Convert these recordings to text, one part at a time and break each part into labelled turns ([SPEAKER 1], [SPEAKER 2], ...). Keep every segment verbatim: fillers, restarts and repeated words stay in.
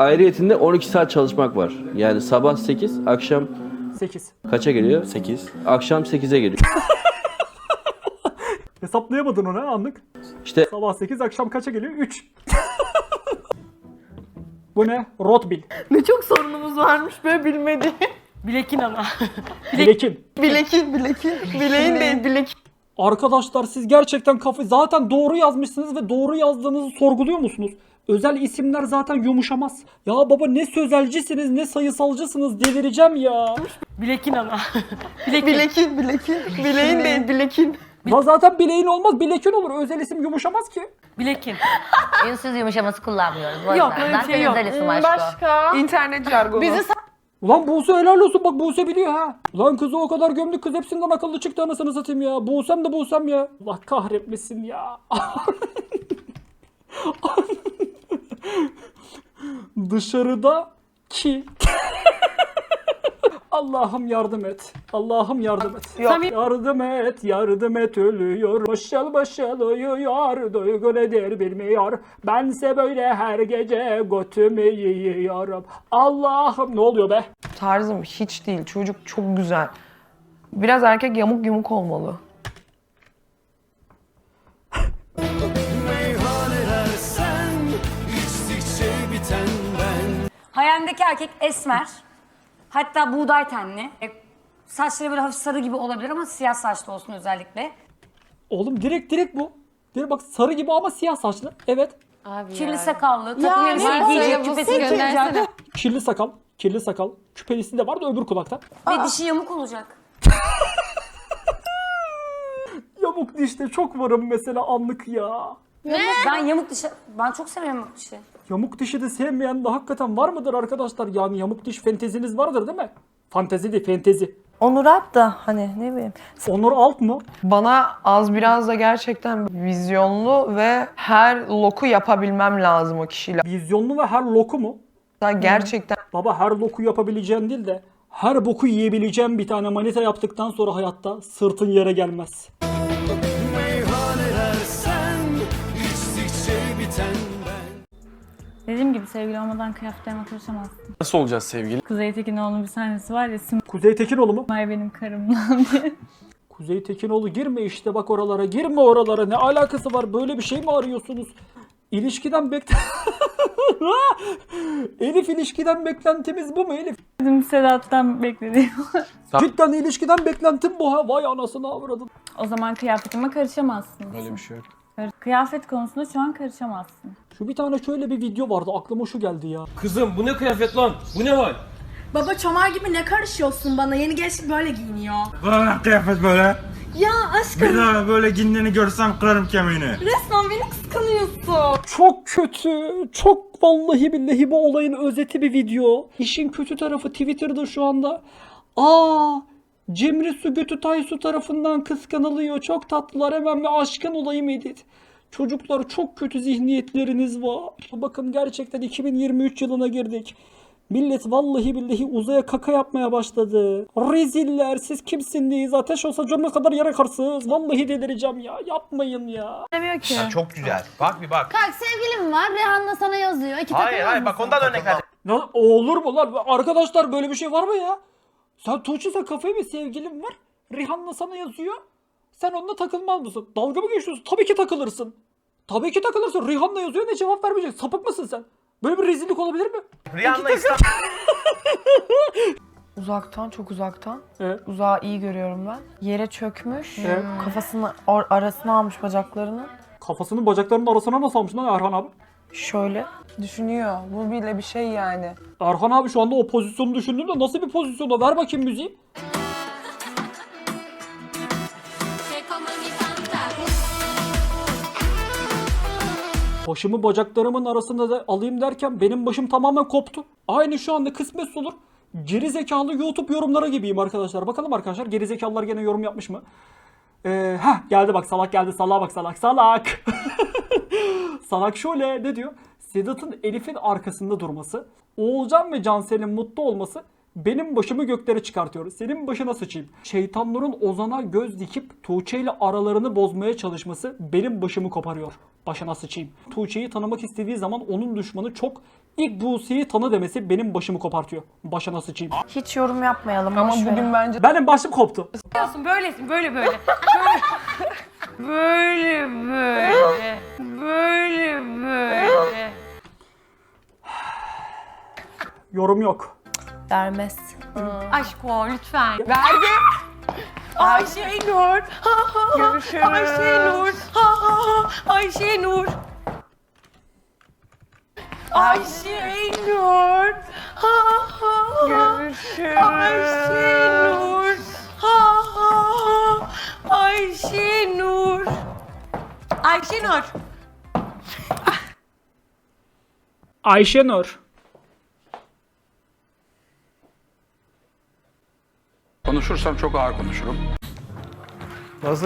[SPEAKER 1] Ayrıyetinde on iki saat çalışmak var. Yani sabah sekiz, akşam
[SPEAKER 2] sekiz.
[SPEAKER 1] kaça geliyor?
[SPEAKER 3] sekiz.
[SPEAKER 1] Akşam sekize geliyor.
[SPEAKER 2] Hesaplayamadın onu ha anlık.
[SPEAKER 1] İşte
[SPEAKER 2] Sabah sekiz, akşam kaça geliyor? üç. Bu ne? Rotbil.
[SPEAKER 4] Ne çok sorunumuz varmış böyle bilmediğim.
[SPEAKER 5] Bilekin ama.
[SPEAKER 2] Bilekin.
[SPEAKER 4] Bilekin, bilekin. Bileğin değil, bilek.
[SPEAKER 2] Arkadaşlar siz gerçekten kafa... Zaten doğru yazmışsınız ve doğru yazdığınızı sorguluyor musunuz? Özel isimler zaten yumuşamaz. Ya baba ne sözelcisiniz ne sayısalcısınız, delireceğim ya.
[SPEAKER 5] Bilekin ama. Bilekin.
[SPEAKER 4] Bilekin, bilekin. Bileğin değil, bilekin.
[SPEAKER 2] Ya zaten bileğin olmaz, bilekin olur. Özel isim yumuşamaz ki.
[SPEAKER 5] Bilekin.
[SPEAKER 6] Ünsüz yumuşaması kullanmıyoruz. Bu
[SPEAKER 5] Yok,
[SPEAKER 6] yüzden.
[SPEAKER 5] öyle bir
[SPEAKER 6] Zaten
[SPEAKER 5] şey yok.
[SPEAKER 6] özel isim aşkı o.
[SPEAKER 4] Başka? İnternet jargonu. Bizi
[SPEAKER 2] Ulan Buse helal olsun, bak Buse biliyor ha. Ulan kızı o kadar gömdük, kız hepsinden akıllı çıktı anasını satayım ya. Buse'm de Buse'm ya. Allah kahretmesin ya. Dışarıda ki. Allah'ım yardım et. Allah'ım yardım et.
[SPEAKER 4] Yok.
[SPEAKER 2] Yardım et, yardım et ölüyor. Başal başal uyuyor, duygu nedir bilmiyor. Bense böyle her gece götümü yiyorum. Allah'ım, ne oluyor be?
[SPEAKER 7] Tarzım hiç değil. Çocuk çok güzel. Biraz erkek yamuk yumuk olmalı.
[SPEAKER 8] Hayalindeki erkek esmer. Hatta buğday tenli. E, Saçları böyle hafif sarı gibi olabilir ama siyah saçlı olsun özellikle.
[SPEAKER 2] Oğlum direkt direkt bu. Direkt bak sarı gibi ama siyah saçlı. Evet.
[SPEAKER 8] Kirli sakallı, takım
[SPEAKER 4] Yani
[SPEAKER 8] elbise
[SPEAKER 4] bu
[SPEAKER 8] giyecek,
[SPEAKER 4] bu
[SPEAKER 8] küpesini
[SPEAKER 4] seçim.
[SPEAKER 8] giyecek
[SPEAKER 2] Kirli sakal. Kirli sakal. Küpelisi de var da öbür kulakta.
[SPEAKER 8] ve dişi yamuk olacak.
[SPEAKER 2] Yamuk dişte çok varım mesela anlık ya.
[SPEAKER 8] Ben yamuk dişi, ben çok seviyorum yamuk dişi.
[SPEAKER 2] Yamuk dişi de sevmeyen de hakikaten var mıdır arkadaşlar? Yani yamuk diş fanteziniz vardır değil mi? Fantezi değil, fantezi.
[SPEAKER 7] Onur Alp da hani ne bileyim.
[SPEAKER 2] Onur Alt mı?
[SPEAKER 7] Bana az biraz da gerçekten vizyonlu ve her loku yapabilmem lazım o kişiyle.
[SPEAKER 2] Vizyonlu ve her loku mu?
[SPEAKER 7] Gerçekten
[SPEAKER 2] Baba her loku yapabileceğin değil de her boku yiyebileceğin bir tane manita yaptıktan sonra hayatta sırtın yere gelmez.
[SPEAKER 9] Dediğim gibi sevgili olmadan kıyafetlerime karışamazsın.
[SPEAKER 3] Nasıl olacağız sevgili?
[SPEAKER 9] Kuzey Tekinoğlu'nun bir sahnesi var ya,
[SPEAKER 2] Kuzey Tekinoğlu mu?
[SPEAKER 9] Simay benim karımdan diye.
[SPEAKER 2] Kuzey Tekinoğlu girme işte bak oralara, girme oralara. Ne alakası var? Böyle bir şey mi arıyorsunuz? İlişkiden bek... Elif, ilişkiden beklentimiz bu mu Elif?
[SPEAKER 9] Bizim Sedat'tan beklediğim.
[SPEAKER 2] Cidden ilişkiden beklentim bu ha. Vay anasını avradım.
[SPEAKER 9] O zaman kıyafetime karışamazsın.
[SPEAKER 3] Öyle bir şey yok.
[SPEAKER 9] Kıyafet konusunda şu an karışamazsın.
[SPEAKER 2] Şu bir tane şöyle bir video vardı. Aklıma şu geldi ya.
[SPEAKER 10] Kızım bu ne kıyafet lan? Bu ne hal?
[SPEAKER 4] Baba çomar gibi ne karışıyorsun bana? Yeni gençlik böyle giyiniyor.
[SPEAKER 10] Bana kıyafet böyle.
[SPEAKER 4] Ya aşkım
[SPEAKER 10] Bir daha böyle giyindiğini görsem kırarım kemiğini.
[SPEAKER 4] resmen beni kıskanıyorsun.
[SPEAKER 2] Çok kötü. Çok vallahi billahi bu olayın özeti bir video. İşin kötü tarafı Twitter'da şu anda. Aa, Cemre Su Götü Taysu tarafından kıskanılıyor. Çok tatlılar, hemen bir aşkın olayım edit. Çocuklar çok kötü zihniyetleriniz var. Bakın gerçekten iki bin yirmi üç yılına girdik. Millet vallahi billahi uzaya kaka yapmaya başladı. Reziller, siz kimsiniz? Ateş olsa cömert kadar yere karsınız. Vallahi delireceğim ya. Yapmayın ya.
[SPEAKER 9] Demiyor ki.
[SPEAKER 3] Çok güzel. Bak bir bak.
[SPEAKER 4] Kalk sevgilim var. Rihanna sana yazıyor. İki
[SPEAKER 3] Hayır hayır bak ondan örnek ver.
[SPEAKER 2] Ya, olur mu lan? Arkadaşlar böyle bir şey var mı ya? Sen Tuğçe, sen kafayı mı, sevgilin var? Rihanna sana yazıyor. Sen onunla takılmaz mısın? Dalga mı geçiyorsun? Tabii ki takılırsın. Tabii ki takılırsın. Rihanna yazıyor, ne cevap vermeyecek? Sapık mısın sen? Böyle bir rezillik olabilir mi?
[SPEAKER 3] Rihanna İstanbul.
[SPEAKER 7] uzaktan çok uzaktan.
[SPEAKER 2] Evet.
[SPEAKER 7] Uzağı iyi görüyorum ben. Yere çökmüş.
[SPEAKER 2] Evet.
[SPEAKER 7] Kafasını or- arasına almış bacaklarını.
[SPEAKER 2] Kafasını bacaklarının arasına nasıl almış lan Erhan abi?
[SPEAKER 7] Şöyle düşünüyor. Bu bile bir şey yani.
[SPEAKER 2] Erhan abi şu anda o pozisyonu düşündüğünde nasıl bir pozisyonda? Ver bakayım müziği. Başımı bacaklarımın arasında da alayım derken benim başım tamamen koptu. Aynı şu anda kısmet olur. Geri zekalı YouTube yorumlara gibiyim arkadaşlar. Bakalım arkadaşlar, geri zekalılar gene yorum yapmış mı? Ee, heh geldi bak, salak geldi. Salağa bak, salak salak. Salak şöyle ne diyor? Sedat'ın Elif'in arkasında durması, Oğulcan ve Cansel'in mutlu olması benim başımı göklere çıkartıyor. Senin başına sıçayım. Şeytanların Ozan'a göz dikip Tuğçe ile aralarını bozmaya çalışması benim başımı koparıyor. Başına sıçayım. Tuğçe'yi tanımak istediği zaman onun düşmanı çok İlk Buse'yi tanı demesi benim başımı kopartıyor. Başına sıçayım.
[SPEAKER 7] Hiç yorum yapmayalım. Ama bugün bence
[SPEAKER 2] Benim başım koptu.
[SPEAKER 5] Böylesin böyle böyle. Böyle böyle. Böyle böyle.
[SPEAKER 2] Yorum yok.
[SPEAKER 7] vermez.
[SPEAKER 5] Aşk o lütfen.
[SPEAKER 7] Verdi.
[SPEAKER 5] Ayşe Nur. Ha, ha, ha.
[SPEAKER 7] Görüşürüz.
[SPEAKER 5] Ayşe Nur. Ha, ha, ha. Ayşe Nur. Ayşe Nur. Ha, ha, ha.
[SPEAKER 7] Görüşürüz.
[SPEAKER 5] Ayşe Nur. Ha, ha, ha. Ayşe Nur. Ayşe Nur.
[SPEAKER 2] Ayşenur.
[SPEAKER 10] Konuşursam çok ağır konuşurum.
[SPEAKER 3] Nasıl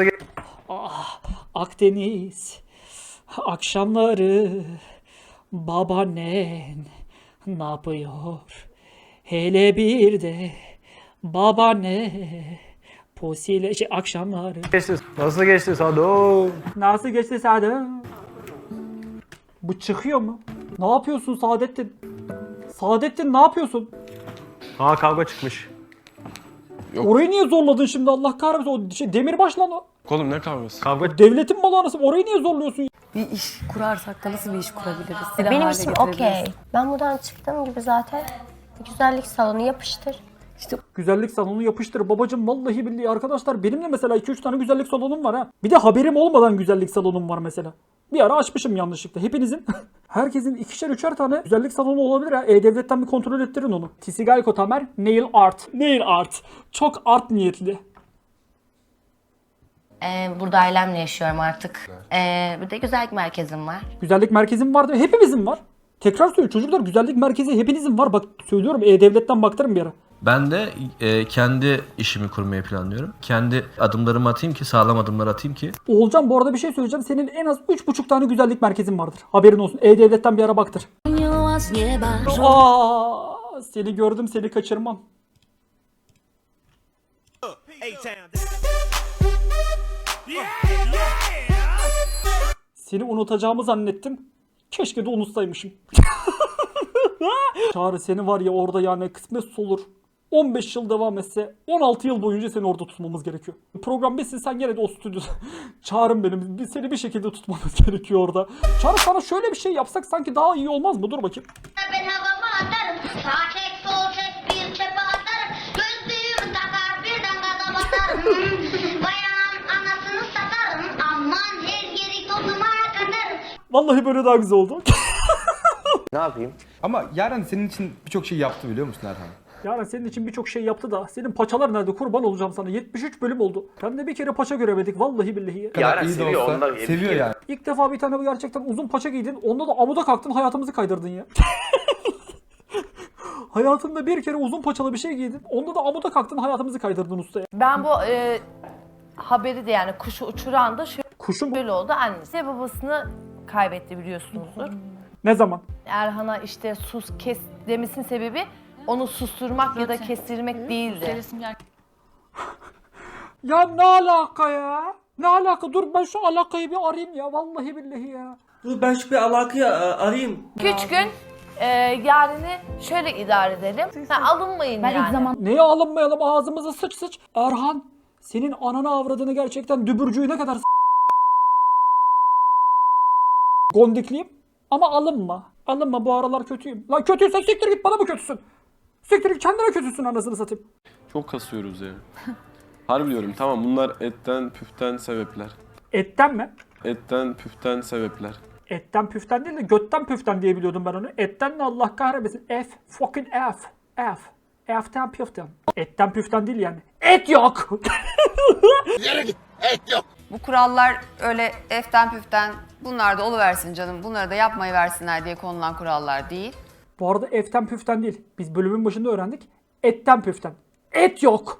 [SPEAKER 2] Akdeniz akşamları babaannen ne yapıyor? Hele bir de babaanne posiyle şey, akşamları.
[SPEAKER 3] geçti? Nasıl geçti Sado?
[SPEAKER 2] Nasıl geçti Saadettin? Bu çıkıyor mu? Ne yapıyorsun Saadettin? Saadettin ne yapıyorsun?
[SPEAKER 3] Ha kavga çıkmış.
[SPEAKER 2] Orayı niye zorladın şimdi Allah kahretsin? O şey, demirbaş lan o.
[SPEAKER 3] Oğlum ne kavgası? Kavga
[SPEAKER 2] Devletin malı anasını. Orayı niye zorluyorsun?
[SPEAKER 5] Bir iş kurarsak da nasıl bir iş kurabiliriz?
[SPEAKER 6] Benim işim okey. Ben buradan çıktığım gibi zaten güzellik salonu yapıştır.
[SPEAKER 2] Güzellik salonu yapıştır babacım, vallahi billahi arkadaşlar benim de mesela iki üç tane güzellik salonum var ha. Bir de haberim olmadan güzellik salonum var mesela. Bir ara açmışım yanlışlıkla. Hepinizin, herkesin ikişer üçer tane güzellik salonu olabilir ha. E-Devlet'ten bir kontrol ettirin onu. Tisigalko Tamer Nail Art. Nail Art. Çok art niyetli.
[SPEAKER 6] Ee, burada ailemle yaşıyorum artık. Ee, bir de güzellik merkezim var.
[SPEAKER 2] Güzellik merkezim var değil mi? Hepimizin var. Tekrar söylüyorum çocuklar, güzellik merkezi hepinizin var. Bak söylüyorum, E-Devlet'ten baktırın bir ara.
[SPEAKER 1] Ben de e, kendi işimi kurmayı planlıyorum. Kendi adımlarımı atayım ki, sağlam adımlar atayım ki.
[SPEAKER 2] Oğulcan bu arada bir şey söyleyeceğim. Senin en az üç buçuk tane güzellik merkezin vardır. Haberin olsun. E-Devlet'ten bir ara baktır. Aa, seni gördüm, seni kaçırmam. Seni unutacağımı zannettim. Keşke de unutsaymışım. Çağrı seni var ya orada yani kısmet olur. on beş yıl devam etse on altı yıl boyunca seni orada tutmamız gerekiyor. Program bitsin sen gene de o stüdyoda. Çağrım benim. Biz seni bir şekilde tutmamız gerekiyor orada. Çağrı sana şöyle bir şey yapsak sanki daha iyi olmaz mı? Dur bakayım.
[SPEAKER 11] Ben havama atarım. Sağ çek sol çek bir çepe atarım. Gözlüğümü takar birden gaza basarım. Bayanın anasını satarım. Aman her yeri tozuma katarım.
[SPEAKER 2] Vallahi böyle daha güzel oldu.
[SPEAKER 3] Ne yapayım?
[SPEAKER 10] Ama Yaren senin için birçok şey yaptı biliyor musun Erhan?
[SPEAKER 2] Yani senin için birçok şey yaptı da senin paçalar nerede, kurban olacağım sana. yetmiş üç bölüm oldu. Ben de bir kere paça göremedik vallahi billahi.
[SPEAKER 3] Yaren
[SPEAKER 10] İyi de
[SPEAKER 3] seviyor
[SPEAKER 10] olsa
[SPEAKER 3] ondan.
[SPEAKER 10] seviyor yani.
[SPEAKER 2] İlk defa bir tane gerçekten uzun paça giydin. Onda da amuda kalktın, hayatımızı kaydırdın ya. Hayatında bir kere uzun paçalı bir şey giydin. Onda da amuda kalktın, hayatımızı kaydırdın usta ya.
[SPEAKER 7] Ben bu e, haberi de yani kuşu uçuran da
[SPEAKER 2] Kuşum bu.
[SPEAKER 7] şöyle oldu. Annesi ve babasını kaybetti biliyorsunuzdur.
[SPEAKER 2] Ne zaman?
[SPEAKER 7] Erhan'a işte sus kes demesinin sebebi onu susturmak ya da kestirmek değildi.
[SPEAKER 2] Ya ne alaka ya? Ne alaka? Dur ben şu alakayı bir arayayım ya. Vallahi billahi ya.
[SPEAKER 12] Dur ben şu bir alakayı a- arayayım.
[SPEAKER 7] Üç gün e, yarını şöyle idare edelim. Ha, alınmayın
[SPEAKER 9] Ben
[SPEAKER 7] yani.
[SPEAKER 9] ilk zaman
[SPEAKER 2] Neye alınmayalım, ağzımıza sıç sıç. Erhan, senin ananı avradını gerçekten dübürcüğü ne kadar s- gondikliyim. Ama alınma. Alınma, bu aralar kötüyüm. Lan kötüysen siktir git, bana mı kötüsün? Siktir git, kendine kötüsün anasını satayım.
[SPEAKER 3] Çok kasıyoruz ya. Harbi diyorum, tamam bunlar etten püften sebepler.
[SPEAKER 2] Etten mi?
[SPEAKER 3] Etten püften sebepler.
[SPEAKER 2] Etten püften değil de götten püften diye biliyordum ben onu. Etten de Allah kahretmesin. F. Fucking F. F. F'ten püften. Etten püften değil yani. Et yok.
[SPEAKER 5] Bu kurallar öyle eften püften bunlar da oluversin canım. Bunları da yapmayı versinler diye konulan kurallar değil.
[SPEAKER 2] Bu arada F'ten püften değil. Biz bölümün başında öğrendik. Etten püften. Et yok.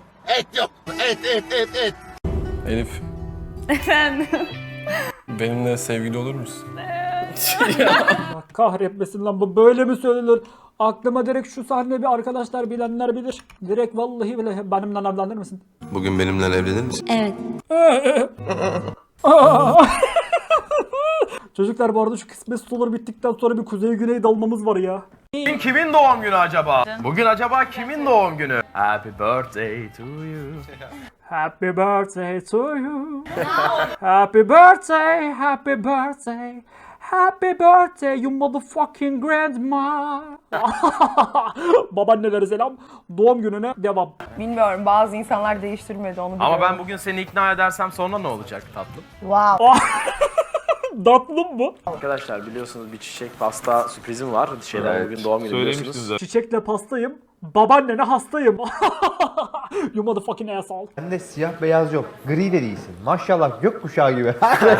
[SPEAKER 3] Elif. Efendim? Benimle sevgili olur musun?
[SPEAKER 2] Allah kahretmesin lan, bu böyle mi söylenir? Aklıma direkt şu sahne bir arkadaşlar bilenler bilir. Direkt vallahi bile benimle evlenir misin?
[SPEAKER 12] Bugün benimle evlenir misin?
[SPEAKER 11] Evet.
[SPEAKER 2] Çocuklar bu arada şu kısmet suları bittikten sonra bir kuzey güney dalmamız var ya.
[SPEAKER 1] Bugün kimin doğum günü acaba? Bugün acaba kimin doğum günü? Happy birthday to you.
[SPEAKER 2] Happy birthday to you. Happy birthday, happy birthday. Happy birthday you motherfucking grandma. Babaannelere selam. Doğum gününe devam.
[SPEAKER 7] Bilmiyorum, bazı insanlar değiştirmedi onu biliyorum.
[SPEAKER 1] Ama ben bugün seni ikna edersem sonra ne olacak tatlım?
[SPEAKER 6] Wow.
[SPEAKER 2] Tatlım mı?
[SPEAKER 1] Arkadaşlar biliyorsunuz bir çiçek pasta sürprizim var. Şeyler bugün doğum günü biliyorsunuz.
[SPEAKER 2] Çiçekle pastayım. Babaannene hastayım. You motherfucking asshole.
[SPEAKER 10] Bende siyah beyaz yok. Gri de değilsin. Maşallah gökkuşağı gibi.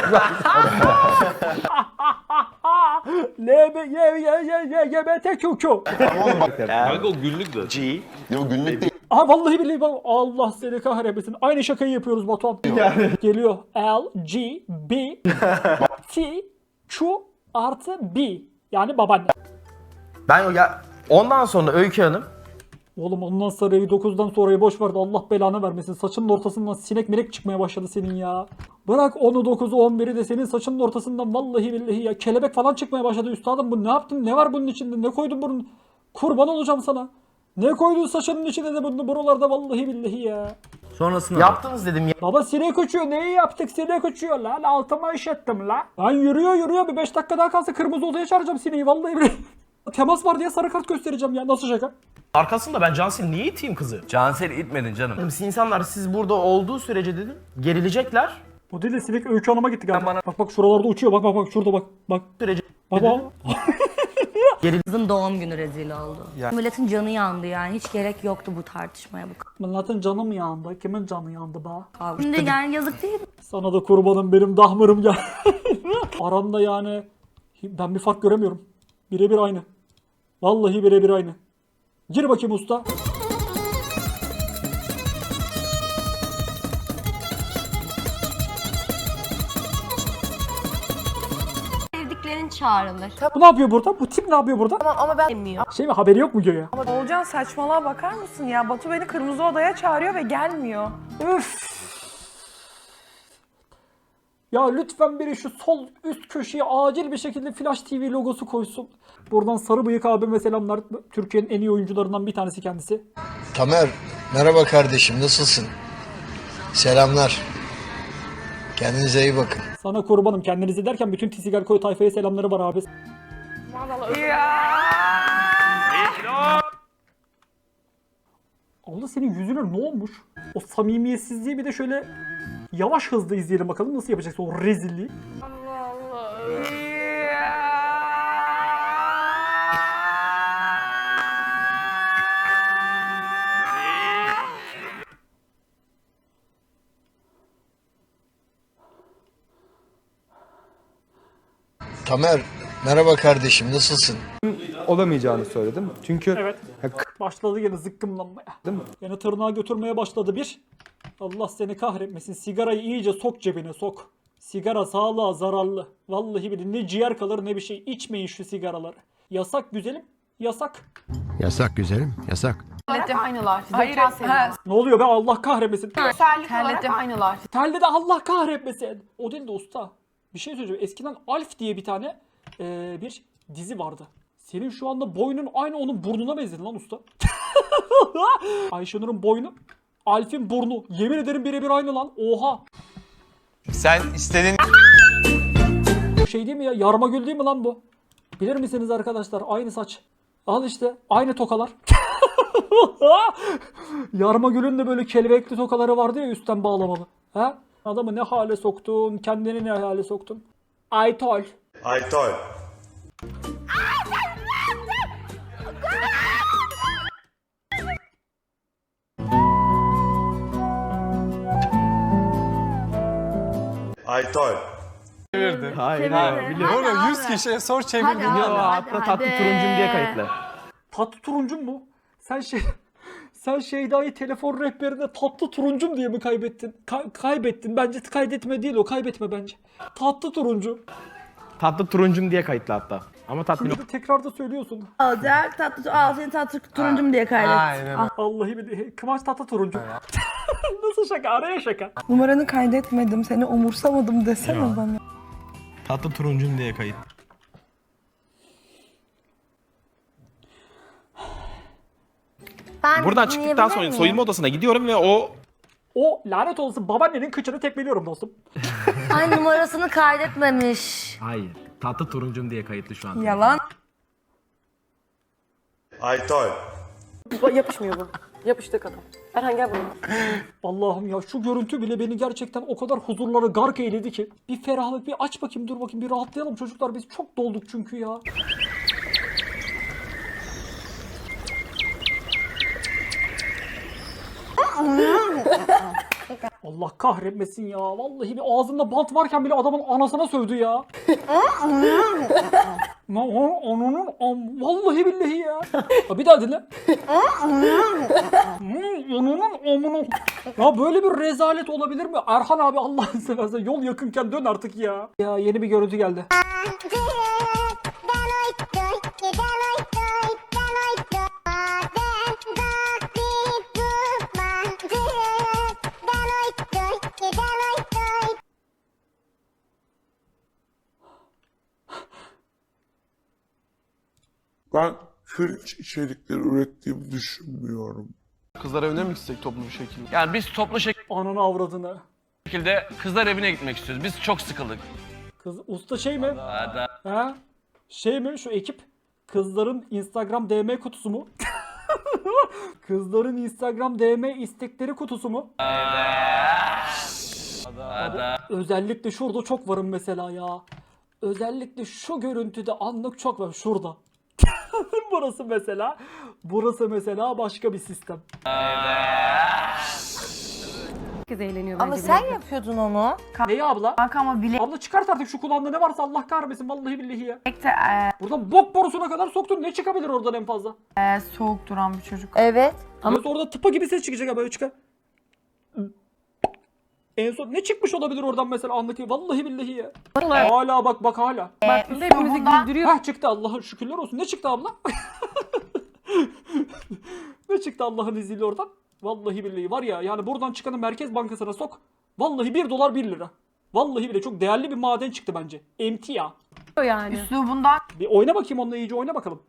[SPEAKER 2] L B Y Y Y Y Y B T Q Q.
[SPEAKER 3] Kanka o günlük de.
[SPEAKER 1] G.
[SPEAKER 10] Yok günlük değil.
[SPEAKER 2] Aha vallahi billahi bak Allah seni kahretmesin. Aynı şakayı yapıyoruz Batuhan. Geliyor. L, G, B, T, Q artı B. Yani babaanne.
[SPEAKER 1] Ben o ya ondan sonra Öykü Hanım
[SPEAKER 2] Oğlum ondan sonra dokuzdan sonrayı boş verdi. Allah belanı vermesin. Saçının ortasından sinek melek çıkmaya başladı senin ya. Bırak onu dokuzu on biri de senin saçının ortasından vallahi billahi ya. Kelebek falan çıkmaya başladı üstadım. Bu ne yaptın? Ne var bunun içinde? Ne koydun bunun? Kurban olacağım sana. Ne koydun saçının içine de bunu buralarda vallahi billahi ya.
[SPEAKER 1] sonrasında yaptınız dedim ya.
[SPEAKER 2] Baba sinek uçuyor. Neyi yaptık? Sinek uçuyor lan. Altıma işettim la. Lan yürüyor yürüyor. Bir beş dakika daha kalsa kırmızı odaya çağıracağım sineği. Vallahi billahi. Temas var diye sarı kart göstereceğim ya. Nasıl şaka?
[SPEAKER 13] Arkasında ben Cansel'i niye iteyim kızı?
[SPEAKER 1] Cansel'i itmedin canım.
[SPEAKER 13] İnsanlar siz burada olduğu sürece dedim gerilecekler.
[SPEAKER 2] O değil de sinek Öykü Hanım'a gitti galiba. Bak bak şuralarda uçuyor. Bak bak bak şurada bak. Bak.
[SPEAKER 13] Sürece
[SPEAKER 2] Baba.
[SPEAKER 8] Kızın doğum günü rezil oldu. Milletin canı yandı yani. Hiç gerek yoktu bu tartışmaya bu
[SPEAKER 2] Milletin canı mı yandı? Kimin canı yandı be?
[SPEAKER 8] kavga. Şimdi yani yazık değil mi?
[SPEAKER 2] Sana da kurbanım benim dahmırım ya. Aranda yani ben bir fark göremiyorum. Birebir aynı. Vallahi birebir aynı. Gir bakayım usta.
[SPEAKER 6] Sevdiklerin çağrılır.
[SPEAKER 2] Bu ne yapıyor burada? Bu tip ne yapıyor burada?
[SPEAKER 7] Ama, ama ben bilmiyor.
[SPEAKER 2] Şey mi haberi yok mu göğe?
[SPEAKER 7] Olcan saçmalığa bakar mısın ya? Batu beni kırmızı odaya çağırıyor ve gelmiyor.
[SPEAKER 2] Üf. Ya lütfen biri şu sol üst köşeye acil bir şekilde Flash T V logosu koysun. Buradan Sarı Bıyık abime selamlar. Türkiye'nin en iyi oyuncularından bir tanesi kendisi.
[SPEAKER 14] Tamer, merhaba kardeşim, nasılsın? Selamlar. Kendinize iyi bakın.
[SPEAKER 2] Sana kurbanım kendinizi derken bütün Tisigal Koy tayfaya selamları var abi. Allah senin yüzüne ne olmuş? O samimiyetsizliği bir de şöyle yavaş hızlı izleyelim bakalım nasıl yapacaksın o rezilliği.
[SPEAKER 14] Tamer, merhaba kardeşim, nasılsın?
[SPEAKER 10] Olamayacağını söyledim. Çünkü
[SPEAKER 2] Evet. Başladı yine zıkkımlanmaya.
[SPEAKER 10] Değil mi?
[SPEAKER 2] Yine tırnağa götürmeye başladı bir. Allah seni kahretmesin. Sigarayı iyice sok cebine sok. Sigara sağlığa zararlı. Vallahi billahi ne ciğer kalır ne bir şey. İçmeyin şu sigaraları. Yasak güzelim. Yasak.
[SPEAKER 14] Yasak güzelim, yasak.
[SPEAKER 5] Tellete aynılar.
[SPEAKER 7] Hayır, ha,
[SPEAKER 2] Ne oluyor be Allah kahretmesin.
[SPEAKER 5] Tellete aynılar.
[SPEAKER 2] Telde de Allah kahretmesin. O değil de usta. Bir şey söyleyeceğim. Eskiden Alf diye bir tane eee, bir dizi vardı. Senin şu anda boynun aynı onun burnuna benzedi lan usta. Ayşenur'un boynu, Alf'in burnu. Yemin ederim birebir aynı lan. Oha.
[SPEAKER 10] sen istediğin
[SPEAKER 2] Şey değil mi ya? Yarmagül değil mi lan bu? Bilir misiniz arkadaşlar? Aynı saç. Al işte. Aynı tokalar. Yarmagül'ün de böyle kelebekli tokaları vardı ya üstten bağlamalı. Ha? Adamı ne hale soktun? Kendini ne hale soktun? Aytol.
[SPEAKER 14] Aytol. Aytol.
[SPEAKER 13] Hayır
[SPEAKER 8] Onu yüz
[SPEAKER 10] kişiye sor çevir.
[SPEAKER 8] Hadi abi, hadi,
[SPEAKER 13] tatlı
[SPEAKER 8] hadi.
[SPEAKER 13] turuncum diye kayıtlı.
[SPEAKER 2] Tatlı turuncum mu? Sen şey sen Şeyda'yı telefon rehberinde tatlı turuncum diye mi kaybettin? Ka- kaybettin. Bence kaydetme değil o. Kaybetme bence. Tatlı turuncu.
[SPEAKER 13] Tatlı turuncum diye kayıtlı hatta. Ama tatlı
[SPEAKER 2] Şimdi de tekrar da söylüyorsun.
[SPEAKER 8] Olacak tatlı, al seni tatlı turuncum diye kaydet.
[SPEAKER 2] Vallahi bir Kıvanç tatlı turuncu. Nasıl şaka? Araya şaka.
[SPEAKER 7] numaranı kaydetmedim, seni umursamadım desene bana.
[SPEAKER 13] Tatlı turuncum diye kayıt.
[SPEAKER 6] Ben
[SPEAKER 13] Buradan çıktıktan
[SPEAKER 6] dinleyebilir
[SPEAKER 13] sonra
[SPEAKER 6] miyim?
[SPEAKER 13] soyunma odasına gidiyorum ve o
[SPEAKER 2] O lanet olsun babaannenin kıçını tekmeliyorum dostum.
[SPEAKER 6] Ay numarasını kaydetmemiş.
[SPEAKER 13] hayır. Tatlı turuncum diye kayıtlı şu an.
[SPEAKER 7] Yalan.
[SPEAKER 14] Aytoy.
[SPEAKER 7] Yapışmıyor bu. Yapıştı kadın. Erhan gel buraya.
[SPEAKER 2] Allah'ım ya şu görüntü bile beni gerçekten o kadar huzurlara gark eyledi ki. Bir ferahlık bir aç bakayım dur bakayım bir rahatlayalım çocuklar biz çok dolduk çünkü ya. Allah kahretmesin ya. Vallahi bir ağzında bant varken bile adamın anasına sövdü ya. Ma onun am vallahi billahi ya. Ha, bir daha dinle. Onun amına. Ya böyle bir rezalet olabilir mi? Erhan abi Allah'ını seversen yol yakınken dön artık ya. Ya yeni bir görüntü geldi.
[SPEAKER 14] Ben Fringe içerikleri ürettiğimi düşünmüyorum.
[SPEAKER 3] Kızlar evine mi gitsek toplu bir şekilde?
[SPEAKER 1] Yani biz toplu
[SPEAKER 2] Ananı avradını.
[SPEAKER 1] şekilde kızlar evine gitmek istiyoruz. Biz çok sıkıldık.
[SPEAKER 2] Kız usta şey mi? Ha? Şey mi şu ekip? Kızların Instagram D M kutusu mu? Kızların Instagram D M istekleri kutusu mu? Abi, özellikle şurada çok varım mesela ya. Özellikle şu görüntüde anlık çok var. Şurada. Burası mesela. Burası mesela başka bir sistem.
[SPEAKER 9] Herkes eğleniyor
[SPEAKER 7] Ama sen yapıyordun onu.
[SPEAKER 2] Neyi abla?
[SPEAKER 9] Kanka ama bile
[SPEAKER 2] Abla çıkart artık şu kulağında ne varsa Allah kahretmesin vallahi billahi ya. Buradan bok borusuna kadar soktun ne çıkabilir oradan en fazla?
[SPEAKER 9] soğuk duran bir çocuk.
[SPEAKER 6] Evet.
[SPEAKER 2] Ama orada tıpa gibi ses çıkacak ha böyle çıkar. En son ne çıkmış olabilir oradan mesela anlatayım. Vallahi billahi ya. Hala bak bak hala.
[SPEAKER 9] Bak hepimizi güldürüyor.
[SPEAKER 2] Hah çıktı Allah'ın şükürler olsun. Ne çıktı abla? Ne çıktı Allah'ın izniyle oradan? Vallahi billahi var ya yani buradan çıkanı Merkez Bankası'na sok. Vallahi bir dolar bir lira. Vallahi bile çok değerli bir maden çıktı bence. Emtia.
[SPEAKER 9] Yani.
[SPEAKER 7] Üslubundan
[SPEAKER 2] Bir oyna bakayım onunla iyice oyna bakalım.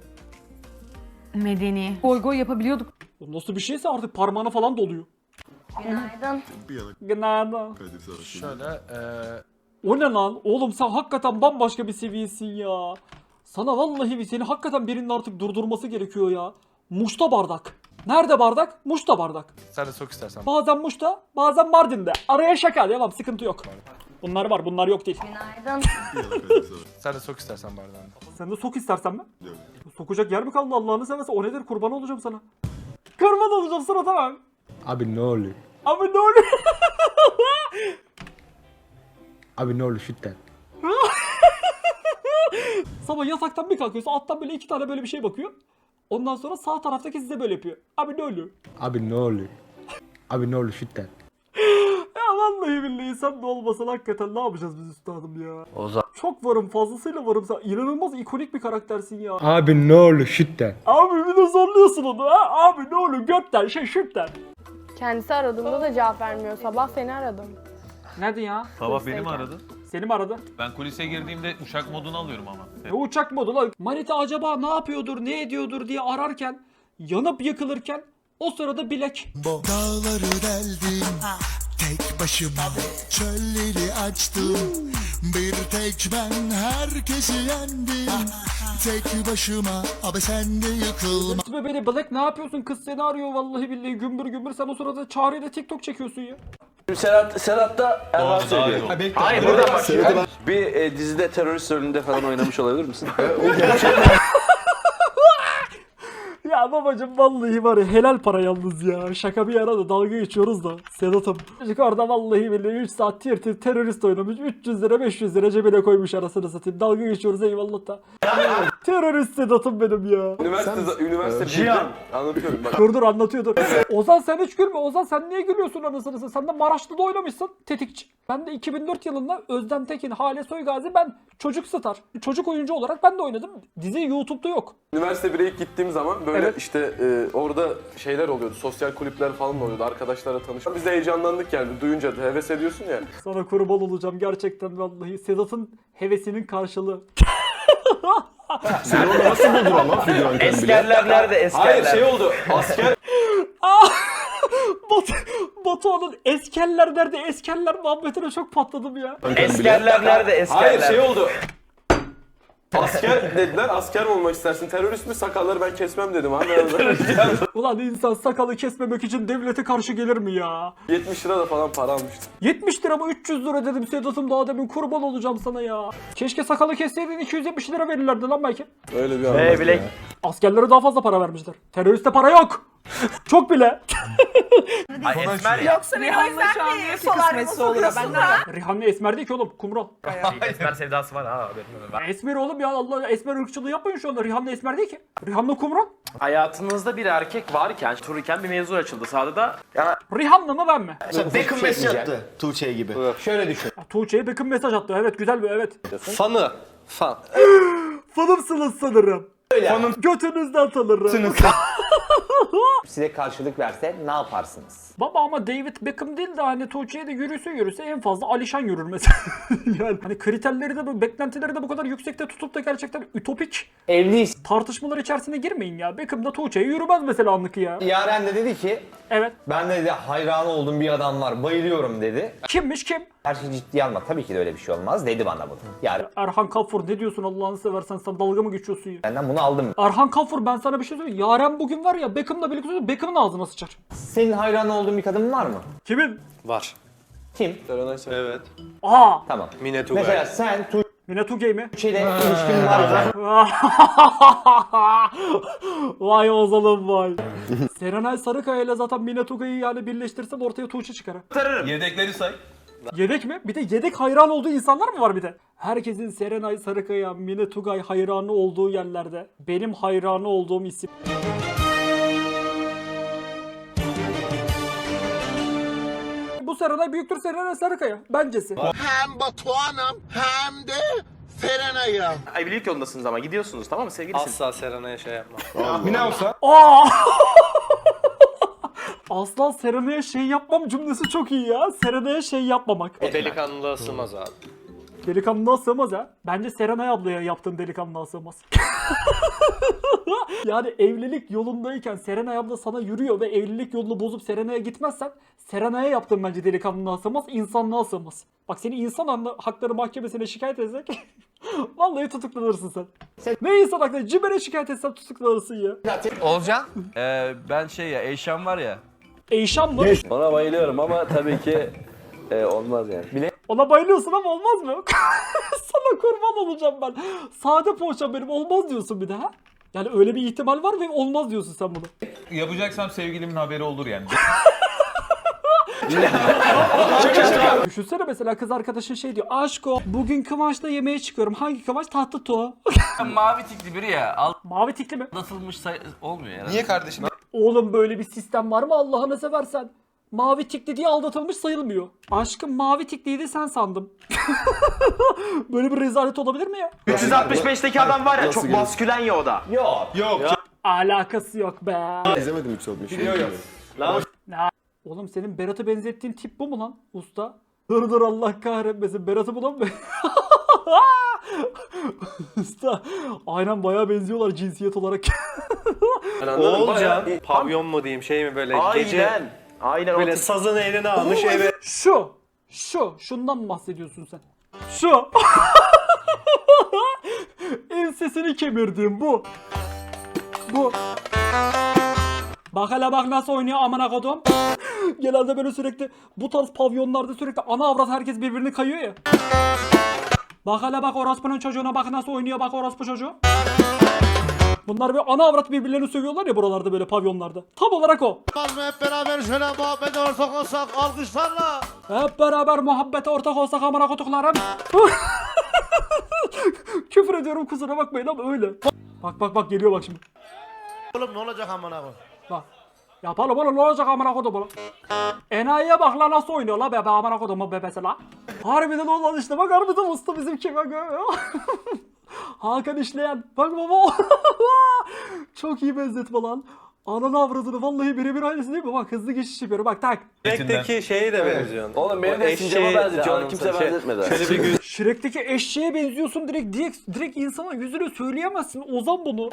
[SPEAKER 9] Medeni. Goy goy yapabiliyorduk.
[SPEAKER 2] Bu nasıl bir şeyse artık parmağına falan doluyor.
[SPEAKER 6] Günaydın.
[SPEAKER 2] Günaydın.
[SPEAKER 13] Şöyle eee
[SPEAKER 2] O ne lan? Oğlum sen hakikaten bambaşka bir seviyesin ya. Sana vallahi bir seni hakikaten birinin artık durdurması gerekiyor ya. Muş'ta bardak. Nerede bardak? Muş'ta bardak.
[SPEAKER 13] sen de sok istersen.
[SPEAKER 2] Bazen Muş'ta, bazen Mardin'de. Araya şaka devam, sıkıntı yok. Bunlar var, bunlar yok değil.
[SPEAKER 6] Günaydın.
[SPEAKER 13] Sen de sok istersen bardağını.
[SPEAKER 2] Sen de sok istersen mi? Sokacak yer mi kaldı Allah'ını seversen? O nedir? Kurban olacağım sana. Kurban olacağım sana tamam.
[SPEAKER 10] Abi ne oluyor?
[SPEAKER 2] Abi ne oluyor?
[SPEAKER 10] Abi ne oluyor şitten?
[SPEAKER 2] Sabah yataktan bir kalkıyorsun, alttan böyle iki tane böyle bir şey bakıyor. Ondan sonra sağ taraftaki size böyle yapıyor. Abi ne oluyor?
[SPEAKER 10] Abi ne oluyor? Abi ne oluyor şitten?
[SPEAKER 2] Ya vallahi billahi sen de olmasan hakikaten ne yapacağız biz üstadım ya?
[SPEAKER 1] Ozan.
[SPEAKER 2] Çok varım, fazlasıyla varım. Sen inanılmaz ikonik bir karaktersin ya.
[SPEAKER 10] Abi ne oluyor şitten?
[SPEAKER 2] Abi bir de zorluyorsun onu ha. Abi ne oluyor götten şey şıkten.
[SPEAKER 9] Kendisi aradığımda da cevap vermiyor. Sabah seni aradım.
[SPEAKER 2] Nerede ya?
[SPEAKER 15] Sabah beni mi aradın?
[SPEAKER 2] Seni mi aradı?
[SPEAKER 15] Ben kulise girdiğimde uçak modunu alıyorum ama.
[SPEAKER 2] Ne uçak modu lan? Manita acaba ne yapıyordur, ne ediyordur diye ararken, yanıp yakılırken o sırada bilek.
[SPEAKER 14] Dağları deldim tek başıma, çölleri açtım bir tek ben, herkesi yendim tek başıma, abi sen de yıkılma.
[SPEAKER 2] Gitme beni Black, ne yapıyorsun? Kız seni arıyor vallahi billahi gümbür gümbür. Sen o sırada Çağrı'yla TikTok çekiyorsun ya.
[SPEAKER 12] Serhat, Serhat da Erhan söylüyor.
[SPEAKER 13] Hayır burada bak.
[SPEAKER 12] Bir e, dizide terörist rolünde falan oynamış olabilir misin?
[SPEAKER 2] Ya babacım vallahi var ya helal para yalnız ya. Şaka bir yana da dalga geçiyoruz da Sedat'ım. Çocuk orada vallahi billahi üç saat tir tir terörist oynamış. üç yüz lira beş yüz lira cebine koymuş arasını satayım. Dalga geçiyoruz eyvallah da. Terörist Sedat'ım benim ya.
[SPEAKER 12] Üniversite, üniversite Cihan. Anlatıyorum bak.
[SPEAKER 2] Dur dur anlatıyor dur. Ozan sen hiç gülme. Ozan sen niye gülüyorsun anasını satayım? Sen de Maraşlı'da oynamışsın tetikçi. Ben de iki bin dört yılında Özlem Tekin, Hale Soygazi, ben çocuk star. Çocuk oyuncu olarak ben de oynadım. Dizi YouTube'da yok.
[SPEAKER 3] Üniversite bire ilk gittiğim zaman böyle
[SPEAKER 2] Evet.
[SPEAKER 3] işte e, orada şeyler oluyordu, sosyal kulüpler falan oluyordu, arkadaşlarla tanıştık. Biz de heyecanlandık yani, duyunca da heves ediyorsun ya.
[SPEAKER 2] Sana kurban olacağım gerçekten vallahi. Sedat'ın hevesinin karşılığı.
[SPEAKER 3] Sen onu nasıl buldun ama figüran bile?
[SPEAKER 12] Eskerler nerede eskerler?
[SPEAKER 3] Hayır şey oldu, asker...
[SPEAKER 2] Batu, Batuhan'ın eskerler nerede eskerler muhabbetine çok patladım ya.
[SPEAKER 12] Eskerler nerede eskerler?
[SPEAKER 3] Hayır şey oldu. Asker dediler, asker mi olmak istersin? Terörist mi? Sakalları ben kesmem dedim abi.
[SPEAKER 2] Ulan insan sakalı kesmemek için devlete karşı gelir mi ya?
[SPEAKER 3] yetmiş lira da falan para almıştım.
[SPEAKER 2] yetmiş lira mı üç yüz lira dedim Sedat'ım, daha demin kurban olacağım sana ya. Keşke sakalı kesseydin iki yüz yetmiş lira verirlerdi lan belki.
[SPEAKER 3] Öyle bir anlam.
[SPEAKER 12] bilek.
[SPEAKER 2] Askerlere daha fazla para vermişler. Teröriste para yok. Çok bile.
[SPEAKER 12] Ay esmer ya.
[SPEAKER 5] Yoksa Rihanna şu an niye kısmetse olur benden.
[SPEAKER 2] Rihanna esmer değil ki oğlum, kumral.
[SPEAKER 12] Esmer sevdası var ha.
[SPEAKER 2] Esmer oğlum ya, Allah, esmer ırkçılığı yapmayın şu anda. Rihanna esmer değil ki. Rihanna kumral.
[SPEAKER 13] Hayatınızda bir erkek varken, dururken bir mevzu açıldı sahada da. Ya,
[SPEAKER 2] Rihanna mı ben mi?
[SPEAKER 10] Beckham mesaj attı Tuğçe gibi. Şöyle düşün.
[SPEAKER 2] Ya, Tuğçe'ye Beckham mesaj attı. Evet güzel bir evet.
[SPEAKER 3] Fanı. Fan.
[SPEAKER 2] Fanımsınız sanırım. Fanım. Götünüzden tanırım.
[SPEAKER 10] Size karşılık verse ne yaparsınız?
[SPEAKER 2] Baba ama David Beckham değil de hani Tuğçe'ye de yürüse yürüse en fazla Alişan yürür mesela. Yani hani kriterleri de, beklentileri de bu kadar yüksekte tutup da gerçekten ütopik
[SPEAKER 10] Evliyiz.
[SPEAKER 2] tartışmalar içerisine girmeyin ya. Beckham da Tuğçe'ye yürümez mesela anlık ya.
[SPEAKER 10] Yaren de dedi ki
[SPEAKER 2] Evet.
[SPEAKER 10] ben de dedi hayran olduğum bir adam var, bayılıyorum dedi.
[SPEAKER 2] Kimmiş kim?
[SPEAKER 10] Her şeyi ciddiye alma, tabii ki de öyle bir şey olmaz dedi bana bunu. Yani
[SPEAKER 2] Erhan Kafur ne diyorsun Allah'ını seversen, sen dalga mı geçiyorsun ya?
[SPEAKER 10] benden bunu aldım.
[SPEAKER 2] Erhan Kafur, ben sana bir şey söyleyeyim. Yaren bugün var ya Beckham'la birlikte Beckham'ın ağzına sıçar.
[SPEAKER 10] Senin hayran olduğun bir kadın var mı?
[SPEAKER 2] Kimin?
[SPEAKER 3] Var.
[SPEAKER 10] Kim?
[SPEAKER 3] Evet.
[SPEAKER 2] Aa!
[SPEAKER 10] Tamam.
[SPEAKER 3] Mine Tugay.
[SPEAKER 10] Mesela sen
[SPEAKER 2] Mine Tugay mi?
[SPEAKER 10] Tuğçe ile ilişkin var mı?
[SPEAKER 2] Vay Ozal'ım vay. Serenay Sarıkaya ile zaten Mine Tugay'ı yani birleştirsen ortaya Tuğçe çıkar.
[SPEAKER 15] Yedekleri say.
[SPEAKER 2] Yedek mi? Bir de yedek hayran olduğu insanlar mı var bir de? Herkesin Serenay Sarıkaya, Mine Tugay hayranı olduğu yerlerde benim hayranı olduğum isim. Bu Serenay büyüktür Serenay Sarıkaya. Bencesi.
[SPEAKER 14] Hem Batuhan'ım hem de Serenay'ım.
[SPEAKER 13] evlilik yolundasınız ama gidiyorsunuz, tamam mı sevgilisiniz?
[SPEAKER 12] Asla Serenay'a şey yapma.
[SPEAKER 3] Mine olsa?
[SPEAKER 2] Aa! Aslan Serenay'a şey yapmam cümlesi çok iyi ya. Serenay'a şey yapmamak.
[SPEAKER 12] O delikanlılığa sığmaz abi.
[SPEAKER 2] Delikanlılığa sığmaz ha. Bence Serenay ablaya yaptığın delikanlılığa sığmaz. Yani evlilik yolundayken Serenay abla sana yürüyor ve evlilik yolunu bozup Serenay'a gitmezsen Serenay'a yaptığın bence delikanlılığa sığmaz, insanlığa sığmaz. Bak seni insan hakları mahkemesine şikayet etsek vallahi tutuklanırsın sen. sen. Ne insan hakları? Cimer'e şikayet etsen tutuklanırsın ya.
[SPEAKER 12] Olcan?
[SPEAKER 1] Ee, ben şey ya, Eyşan var ya.
[SPEAKER 2] Eyşan mı?
[SPEAKER 12] Ona bayılıyorum ama tabii ki e, olmaz yani. Bile
[SPEAKER 2] Ona bayılıyorsun ama olmaz mı? Sana kurban olacağım ben. Sade poğaça benim, olmaz diyorsun bir de ha? Yani öyle bir ihtimal var ve olmaz diyorsun sen bunu.
[SPEAKER 15] Yapacaksam sevgilimin haberi olur yani.
[SPEAKER 2] Düşünsene mesela kız arkadaşın şey diyor. Aşko bugün Kıvanç'la yemeğe çıkıyorum. Hangi Kıvanç? Tatlı Tuğ.
[SPEAKER 1] Mavi tikli biri ya.
[SPEAKER 2] Mavi tikli mi?
[SPEAKER 1] Aldatılmış say- olmuyor yani.
[SPEAKER 12] niye kardeşim?
[SPEAKER 2] Oğlum böyle bir sistem var mı Allah'ını seversen? Mavi tikli diye aldatılmış sayılmıyor. Aşkım mavi tikliydi sen sandım. Böyle bir rezalet olabilir mi ya?
[SPEAKER 13] üç yüz altmış beşteki adam var ya, çok maskülen ya o da.
[SPEAKER 10] Yok.
[SPEAKER 3] Yok.
[SPEAKER 2] Alakası yok be.
[SPEAKER 3] İzlemedim hiç olmuş.
[SPEAKER 13] Biliyor Lan
[SPEAKER 2] Oğlum senin Berat'ı benzettiğin tip bu mu lan usta? Dur dur Allah kahretmesin, Berat'ı bulan mı? Usta aynen bayağı benziyorlar cinsiyet olarak.
[SPEAKER 12] Olcan. Pavyon mu diyeyim, şey mi böyle gece
[SPEAKER 13] aynen. Aynen
[SPEAKER 12] böyle
[SPEAKER 13] o tip-
[SPEAKER 12] sazını eline almış eve.
[SPEAKER 2] Şu, şu, şundan mı bahsediyorsun sen? Şu. Ensesini kemirdiğim bu. Bu. Bak hele bak nasıl oynuyor amına kodum. Genelde böyle sürekli bu tarz pavyonlarda sürekli ana avrat herkes birbirini kayıyor ya. Bak hele bak orospunun çocuğuna bak nasıl oynuyor bak orospu çocuğu. Bunlar böyle ana avrat birbirlerini sövüyorlar ya buralarda böyle pavyonlarda. Tam olarak o.
[SPEAKER 14] Hep beraber şöyle muhabbete ortak olsak alkışlarla.
[SPEAKER 2] Hep beraber muhabbete ortak olsak amına koduklarım. Küfür ediyorum kusura bakmayın ama öyle. Bak bak bak geliyor bak şimdi.
[SPEAKER 14] Oğlum ne olacak amına koy?
[SPEAKER 2] Bak. Yapalım oğlum ne olacak amına kodum oğlum. Enayiye bak la nasıl oynuyor la bebe amına kodumun bebesi la. Harbiden olan işte bak harbiden usta bizimki bak. Hakan işleyen. Bak baba. Çok iyi benzetme lan. Ananı avradını vallahi birebir aynısı değil mi? Bak hızlı geçiş yapıyorum. Bak tak.
[SPEAKER 12] Shrek'teki şeye de benziyorsun.
[SPEAKER 13] Oğlum benim
[SPEAKER 12] O
[SPEAKER 13] de sincaba
[SPEAKER 12] eşeğe
[SPEAKER 13] benzetiyor. Onu
[SPEAKER 12] de
[SPEAKER 13] kimse
[SPEAKER 12] şey-
[SPEAKER 13] benzetmedi.
[SPEAKER 12] Şöyle bir gün
[SPEAKER 2] Shrek'teki eşeğe benziyorsun direkt direkt, direkt insana yüzüne söyleyemezsin. Ozan bunu.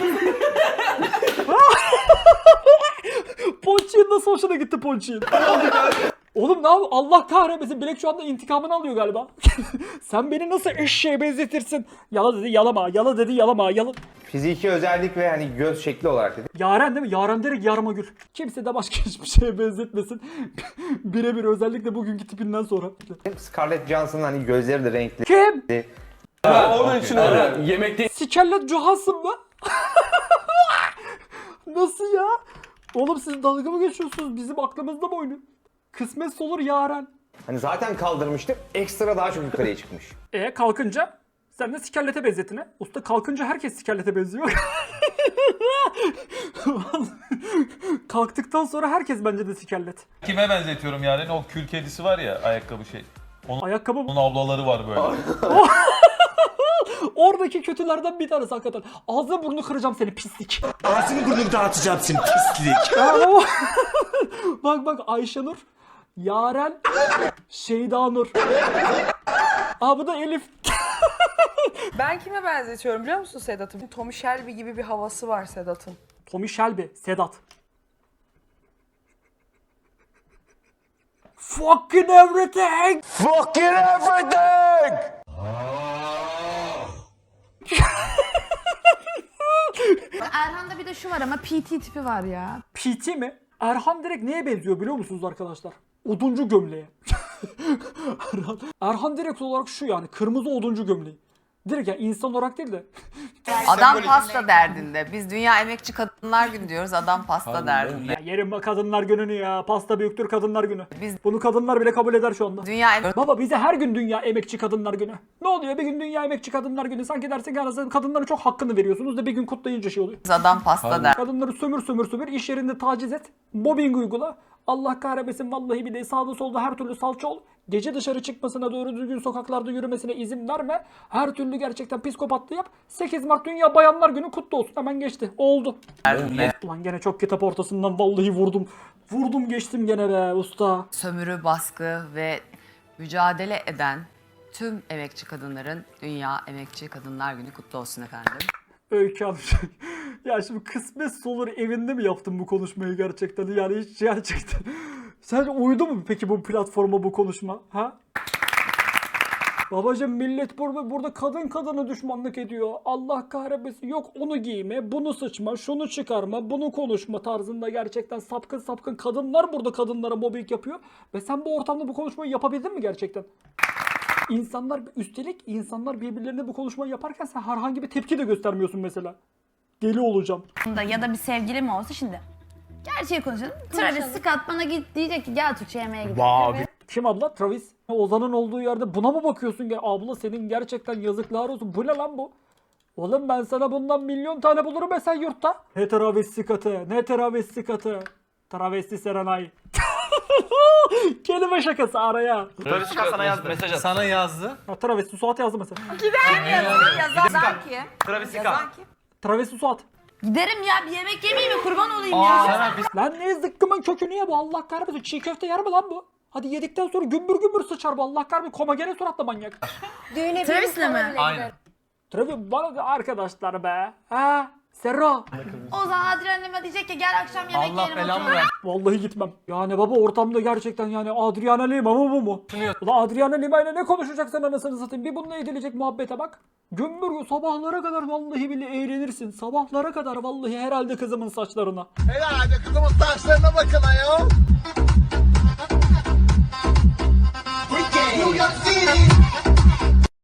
[SPEAKER 2] Ponçik'in nasıl hoşuna gitti Ponçik'in? Oğlum ne yapıyor? Allah kahretmesin. Bilek şu anda intikamını alıyor galiba. Sen beni nasıl eşeğe benzetirsin? Yala dedi yalama. Yala dedi yalama. Yala...
[SPEAKER 10] Fiziki özellik ve hani göz şekli olarak dedi.
[SPEAKER 2] Yaren değil mi? Yaren direkt yarma gül. Kimse de başka hiçbir şeye benzetmesin. Birebir özellikle bugünkü tipinden sonra.
[SPEAKER 10] Scarlett Johansson'ın hani gözleri de renkli.
[SPEAKER 2] Kim?
[SPEAKER 3] Ha, onun için öyle.
[SPEAKER 13] Yemekte
[SPEAKER 2] Scarlett Johansson mı? Nasıl ya? Oğlum siz dalga mı geçiyorsunuz? Bizim aklımızda mı oynuyor? Kısmetse olur Yaren.
[SPEAKER 10] Hani zaten kaldırmıştı. Ekstra daha çok yukarıya çıkmış.
[SPEAKER 2] E kalkınca sen de Scarlett'e benzetine. Usta kalkınca herkes Scarlett'e benziyor. Kalktıktan sonra herkes bence de Scarlett.
[SPEAKER 15] Kime benzetiyorum yani? O kül kedisi var ya ayakkabı şey. Onun,
[SPEAKER 2] Ayakkabı mı?
[SPEAKER 15] onun ablaları var böyle.
[SPEAKER 2] Oradaki kötülerden bir tanesi hakikaten. Ağzını burnunu kıracağım seni pislik.
[SPEAKER 14] Ağzını burnunu dağıtacağım seni pislik.
[SPEAKER 2] Bak bak Ayşenur, Yaren, Şeyda Nur. Aa bu da Elif.
[SPEAKER 7] Ben kime benzetiyorum biliyor musun Sedat'ın? Tommy Shelby gibi bir havası var Sedat'ın.
[SPEAKER 2] Tommy Shelby, Sedat. Fucking everything.
[SPEAKER 14] Fucking everything.
[SPEAKER 4] Erhan'da bir de şu var ama P T tipi var ya.
[SPEAKER 2] P T mi? Erhan direkt neye benziyor biliyor musunuz arkadaşlar? Oduncu gömleğe. Erhan, Erhan direkt olarak şu yani kırmızı oduncu gömleği. Direkt yani insan olarak değil de.
[SPEAKER 5] Adam pasta derdinde. Biz Dünya Emekçi Kadınlar Günü diyoruz. Adam pasta derdinde.
[SPEAKER 2] Ya yerim bak kadınlar gününü ya. Pasta büyüktür kadınlar günü.
[SPEAKER 5] Biz-
[SPEAKER 2] Bunu kadınlar bile kabul eder şu anda.
[SPEAKER 5] Dünya Em-
[SPEAKER 2] Baba bize her gün Dünya Emekçi Kadınlar Günü. Ne oluyor bir gün Dünya Emekçi Kadınlar Günü? Sanki dersin ki arasında kadınların çok hakkını veriyorsunuz da bir gün kutlayınca şey oluyor.
[SPEAKER 5] Adam pasta der.
[SPEAKER 2] Kadınları sömür sömür sömür, iş yerinde taciz et, mobbing uygula. Allah kahretmesin vallahi bir de sağda solda her türlü salça ol. Gece dışarı çıkmasına, doğru düzgün sokaklarda yürümesine izin verme. Her türlü gerçekten psikopatlı yap. sekiz Mart Dünya Bayanlar Günü kutlu olsun. Hemen geçti. Oldu. Ulan gene çok kitap ortasından vallahi vurdum. Vurdum geçtim gene be usta.
[SPEAKER 5] Sömürü, baskı ve mücadele eden tüm emekçi kadınların Dünya Emekçi Kadınlar Günü kutlu olsun efendim.
[SPEAKER 2] Öykü Hanım. Ya şimdi kısmet olur evinde mi yaptın bu konuşmayı gerçekten? Yani hiç gerçekten. Sence uydu mu peki bu platforma bu konuşma? Ha? Babacım millet burada, burada kadın kadına düşmanlık ediyor. Allah kahretmesin. Yok onu giyme, bunu sıçma, şunu çıkarma, bunu konuşma tarzında gerçekten sapkın sapkın kadınlar burada kadınlara mobbing yapıyor. Ve sen bu ortamda bu konuşmayı yapabildin mi gerçekten? İnsanlar üstelik insanlar birbirlerine bu konuşmayı yaparken sen herhangi bir tepki de göstermiyorsun mesela. Deli olacağım.
[SPEAKER 4] Ya da bir sevgilim olsa şimdi. Gerçeği konuşalım. Travis Scott bana git diyecek ki gel Tuğçe yemeğe gidelim.
[SPEAKER 2] Kim abla? Travis. Ozan'ın olduğu yerde buna mı bakıyorsun? Ya abla senin gerçekten yazıklar olsun. Bu ne lan bu? Oğlum ben sana bundan milyon tane bulurum be sen yurtta. Ne travesti katı, ne travesti katı. Travesti Serenay. Kelime şakası araya.
[SPEAKER 13] Travis Scott sana yazdı mesaj attı.
[SPEAKER 12] sana yazdı.
[SPEAKER 2] Ha, travesti Suat yazdı mesela.
[SPEAKER 5] Gider yazan, yazan kim?
[SPEAKER 13] Travis Scott.
[SPEAKER 5] Yazan kim?
[SPEAKER 2] Travesti Suat.
[SPEAKER 4] Giderim ya bir yemek yemeyeyim mi kurban olayım ya.
[SPEAKER 2] Lan ne zıkkımın kökünü ye bu Allah kahretmesin. Çiğ köfte yer mi lan bu? Hadi yedikten sonra gümbür gümbür sıçar bu Allah kahretmesin. Komagene suratla manyak.
[SPEAKER 6] Düğüne
[SPEAKER 4] Travis'le mi?
[SPEAKER 15] Aynen.
[SPEAKER 2] Travis bana da arkadaşlar be. Ha? Serra.
[SPEAKER 4] O zaman Adrian'ıma diyecek ki gel akşam yemek
[SPEAKER 12] Allah
[SPEAKER 4] yiyelim
[SPEAKER 12] belamı
[SPEAKER 4] oturalım.
[SPEAKER 12] ver.
[SPEAKER 2] Vallahi gitmem. Yani baba ortamda gerçekten yani Adriana Lima mı bu mu? Ulan Adriana Lima ile ne konuşacaksın anasını satayım? Bir bununla edilecek muhabbete bak. Gümbür sabahlara kadar vallahi bile eğlenirsin. Sabahlara kadar vallahi herhalde kızımın saçlarına.
[SPEAKER 14] Herhalde kızımın saçlarına bakın ayol. New York City.